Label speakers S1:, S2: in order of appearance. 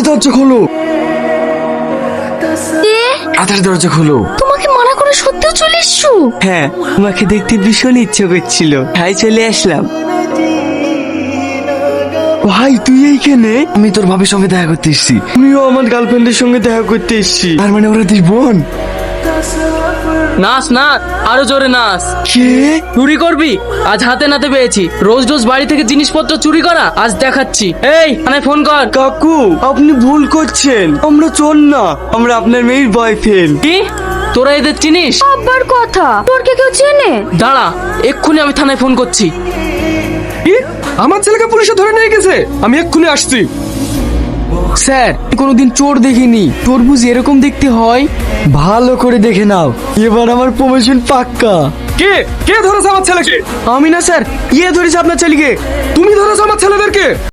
S1: দরজা খোলো,
S2: এ
S1: তাড়াতাড়ি দরজা খোলো।
S2: তোমাকে মানা করে সত্যিও চলে এসছো?
S3: হ্যাঁ, তোমাকে দেখতে ভীষণ ইচ্ছে করছিল, তাই চলে আসলাম।
S1: ভাই তুই এইখানে? আমি তোর ভাবির সঙ্গে দেখা করতে এসেছি। আমিও আমার গার্লফ্রেন্ডের সঙ্গে দেখা করতে এসেছি। তার মানে ওরা দুই বোন?
S4: নাচ না, আরো জোরে নাচ।
S1: কে?
S4: চুরি করবি? আজ হাতে নাতে পেয়েছি। রোজ রোজ বাড়ি থেকে জিনিসপত্র চুরি করা আজ দেখাচ্ছি। এই মানে ফোন কর।
S1: কাকু আপনি ভুল করছেন, আমরা চোর না, আমরা আপনার মেয়ের বয়ফ্রেন্ড।
S4: কি তোরা এদের চিনিস?
S2: আব্বার কথা, তোর কে কেউ চেনে?
S4: দাঁড়া, এক্ষুনি আমি থানায় ফোন করছি।
S1: কি? আমার ছেলেকে পুলিশে ধরে নিয়ে গেছে? আমি এক্ষুনি আসছি।
S3: স্যার, কোনোদিন চোর দেখিনি, চোর বুঝি এরকম দেখতে হয়?
S1: ভালো করে দেখে নাও, এবার আমার প্রমোশন পাক্কা। কে কে ধরেছে আমার ছেলেকে?
S3: আমি না স্যার, ইয়ে ধরেছে আপনার ছেলেকে।
S1: তুমি ধরেছো আমার ছেলেদেরকে?